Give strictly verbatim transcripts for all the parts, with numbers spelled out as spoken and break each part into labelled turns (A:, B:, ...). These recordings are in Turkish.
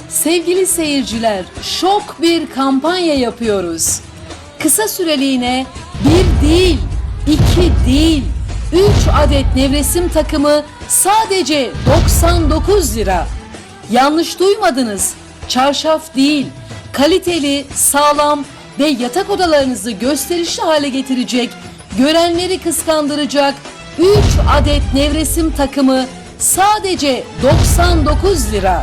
A: Sevgili seyirciler, şok bir kampanya yapıyoruz. Kısa süreliğine bir değil, iki değil, üç adet nevresim takımı sadece doksan dokuz lira. Yanlış duymadınız, çarşaf değil, kaliteli, sağlam ve yatak odalarınızı gösterişli hale getirecek, görenleri kıskandıracak üç adet nevresim takımı sadece doksan dokuz lira.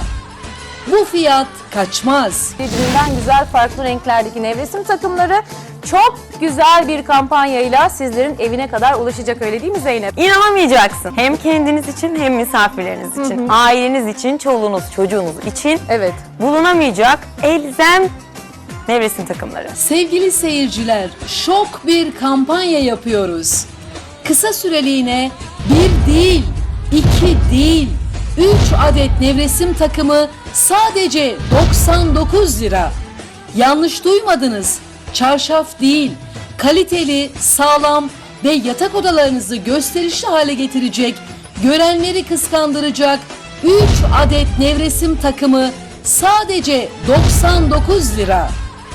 A: Bu fiyat kaçmaz.
B: Birbirinden güzel farklı renklerdeki nevresim takımları çok güzel bir kampanyayla sizlerin evine kadar ulaşacak, öyle değil mi Zeynep?
C: İnanamayacaksın. Hem kendiniz için hem misafirleriniz için, hı hı. aileniz için, çoluğunuz, çocuğunuz için
B: Evet.
C: bulunamayacak elzem nevresim takımları.
A: Sevgili seyirciler, şok bir kampanya yapıyoruz. Kısa süreliğine bir değil, iki değil, üç adet nevresim takımı sadece doksan dokuz lira. Yanlış duymadınız, çarşaf değil, kaliteli, sağlam ve yatak odalarınızı gösterişli hale getirecek, görenleri kıskandıracak üç adet nevresim takımı sadece doksan dokuz lira.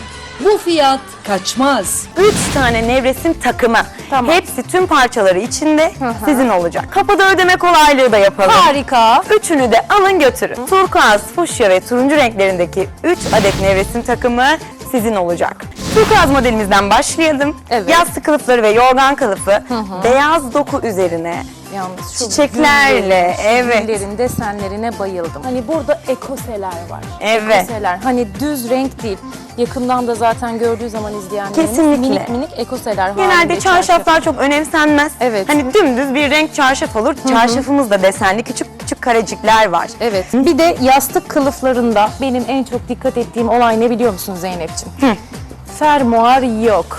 A: Bu fiyat kaçmaz.
C: Üç tane nevresim takımı.
B: Tamam.
C: Hepsi tüm parçaları içinde
B: Hı hı.
C: sizin olacak. Kapıda ödeme kolaylığı da yapalım.
B: Harika.
C: Üçünü de alın götürün. Turkuaz, fuşya ve turuncu renklerindeki üç adet nevresim takımı sizin olacak. Turkuaz modelimizden başlayalım.
B: Evet.
C: Yastık kılıfları ve yorgan kılıfı
B: hı.
C: beyaz doku üzerine
B: Yalnız şu
C: çiçeklerle,
B: güllerin,
C: evet.
B: güllerin desenlerine bayıldım. Hani burada ekoseler var.
C: Evet.
B: Ekoseler. Hani düz renk değil. Yakından da zaten gördüğü zaman izleyenlerimiz
C: Kesinlikle.
B: minik minik ekoseler
C: Genelde
B: halinde
C: çarşaflar çok önemsenmez.
B: Evet.
C: Hani dümdüz bir renk çarşaf olur. Çarşafımız da desenli küçük küçük karecikler var.
B: Evet. Bir de yastık kılıflarında benim en çok dikkat ettiğim olay ne biliyor musun Zeynep'ciğim?
C: Hı.
B: Fermuar yok.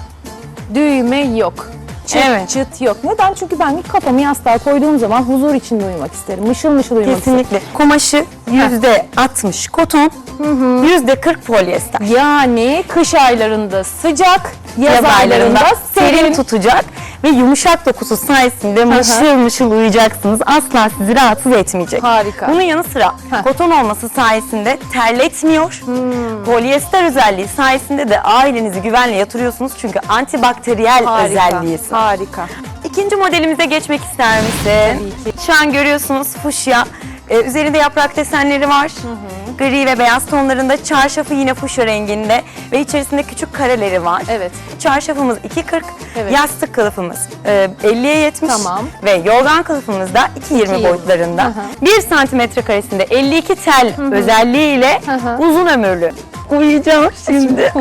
B: Düğme yok. Çıt
C: Evet.
B: çıt yok. Neden? Çünkü ben kafamı yastığa koyduğum zaman huzur içinde uyumak isterim. Mışıl mışıl uyumak
C: Kesinlikle. Kumaşı yüzde altmış koton, yüzde kırk polyester.
B: isterim. Yani kış aylarında sıcak, yaz,
C: Yaz
B: aylarında serin.
C: tutacak ve yumuşak dokusu sayesinde mışıl mışıl uyuyacaksınız. Asla sizi rahatsız etmeyecek.
B: Harika.
C: Bunun yanı sıra
B: Heh.
C: koton olması sayesinde terletmiyor. Polyester özelliği sayesinde de ailenizi güvenle yatırıyorsunuz. Çünkü antibakteriyel özelliği.
B: Harika.
C: İkinci modelimize geçmek ister misin?
B: Tabii ki.
C: Şu an görüyorsunuz fuşya. Ee, üzerinde yaprak desenleri var. Hı hı. Gri ve beyaz tonlarında. Çarşafı yine fuşya renginde ve içerisinde küçük kareleri var.
B: Evet.
C: Çarşafımız iki kırk,
B: Evet.
C: yastık kılıfımız e, elliye yetmiş
B: Tamam.
C: ve yorgan kılıfımız da iki yirmi
B: yirmi.
C: boyutlarında.
B: Hı hı.
C: bir santimetre karesinde elli iki tel özelliğiyle
B: Hı hı.
C: uzun ömürlü. Uyuyacağım şimdi.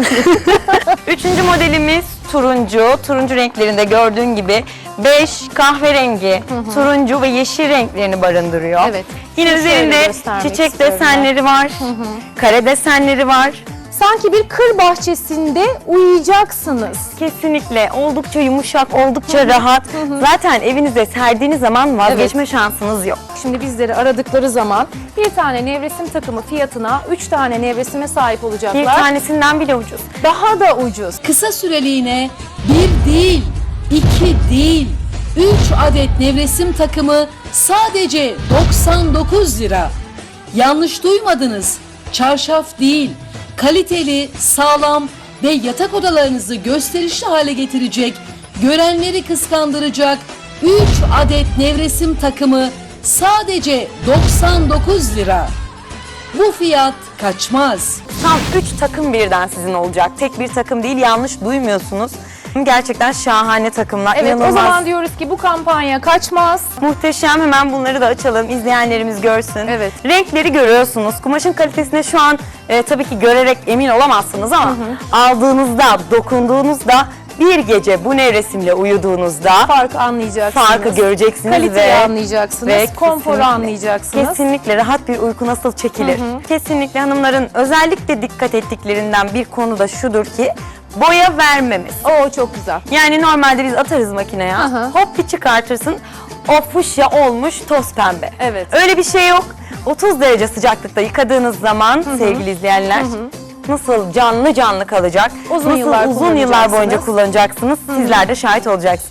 C: Üçüncü modelimiz turuncu. Turuncu renklerinde gördüğün gibi beş, kahverengi, turuncu ve yeşil renklerini barındırıyor.
B: Evet.
C: Yine
B: Şöyle
C: üzerinde
B: göstermek
C: çiçek
B: istiyorum ben.
C: desenleri var, kare desenleri var.
B: Sanki bir kır bahçesinde uyuyacaksınız.
C: Kesinlikle oldukça yumuşak, oldukça rahat. Zaten evinize serdiğiniz zaman vazgeçme şansınız yok.
B: Şimdi bizleri aradıkları zaman bir tane nevresim takımı fiyatına üç tane nevresime sahip olacaklar.
C: Bir tanesinden bile ucuz.
B: Daha da ucuz.
A: Kısa süreliğine bir değil, iki değil, üç adet nevresim takımı sadece doksan dokuz lira. Yanlış duymadınız, çarşaf değil, kaliteli, sağlam ve yatak odalarınızı gösterişli hale getirecek, görenleri kıskandıracak üç adet nevresim takımı sadece doksan dokuz lira. Bu fiyat kaçmaz.
C: Tam üç takım birden sizin olacak. Tek bir takım değil, yanlış duymuyorsunuz. Gerçekten şahane takımlar.
B: Evet,
C: İnanılmaz.
B: o zaman diyoruz ki bu kampanya kaçmaz.
C: Muhteşem, hemen bunları da açalım, izleyenlerimiz görsün.
B: Evet.
C: Renkleri görüyorsunuz. Kumaşın kalitesine şu an e, tabii ki görerek emin olamazsınız ama aldığınızda, dokunduğunuzda, bir gece bu nevresimle uyuduğunuzda
B: Farkı anlayacaksınız.
C: farkı göreceksiniz
B: Kaliteyi
C: ve
B: anlayacaksınız,
C: ve
B: konforu
C: kesinlikle,
B: anlayacaksınız.
C: Kesinlikle rahat bir uyku nasıl çekilir? Kesinlikle hanımların özellikle dikkat ettiklerinden bir konu da şudur ki boya vermemiz.
B: Oo, çok güzel.
C: Yani normalde biz atarız makineye,
B: Hı hı.
C: hop bir çıkartırsın, o fuşya olmuş toz pembe.
B: Evet.
C: Öyle bir şey yok. otuz derece sıcaklıkta yıkadığınız zaman sevgili izleyenler nasıl canlı canlı kalacak,
B: Uzun
C: nasıl
B: yıllar
C: uzun yıllar boyunca
B: kullanacaksınız.
C: kullanacaksınız, sizler de şahit olacaksınız.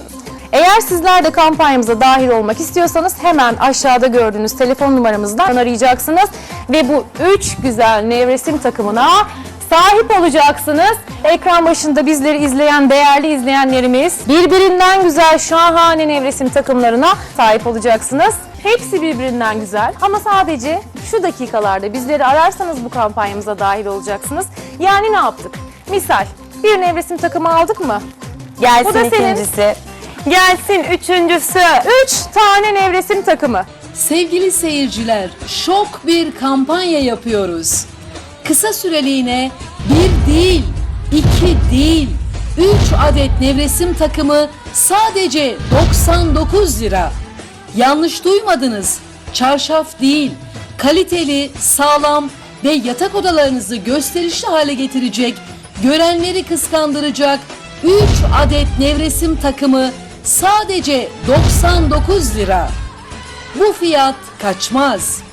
B: Eğer sizler de kampanyamıza dahil olmak istiyorsanız hemen aşağıda gördüğünüz telefon numaramızdan arayacaksınız ve bu üç güzel nevresim takımına sahip olacaksınız. Ekran başında bizleri izleyen değerli izleyenlerimiz birbirinden güzel şahane nevresim takımlarına sahip olacaksınız. Hepsi birbirinden güzel ama sadece şu dakikalarda bizleri ararsanız bu kampanyamıza dahil olacaksınız. Yani ne yaptık? Misal bir nevresim takımı aldık mı?
C: Gelsin
B: Bu da senin.
C: ikincisi. Gelsin üçüncüsü.
B: üç tane nevresim takımı.
A: Sevgili seyirciler, şok bir kampanya yapıyoruz. Kısa süreliğine bir değil, iki değil, üç adet nevresim takımı sadece doksan dokuz lira. Yanlış duymadınız, çarşaf değil, kaliteli, sağlam ve yatak odalarınızı gösterişli hale getirecek, görenleri kıskandıracak üç adet nevresim takımı sadece doksan dokuz lira. Bu fiyat kaçmaz.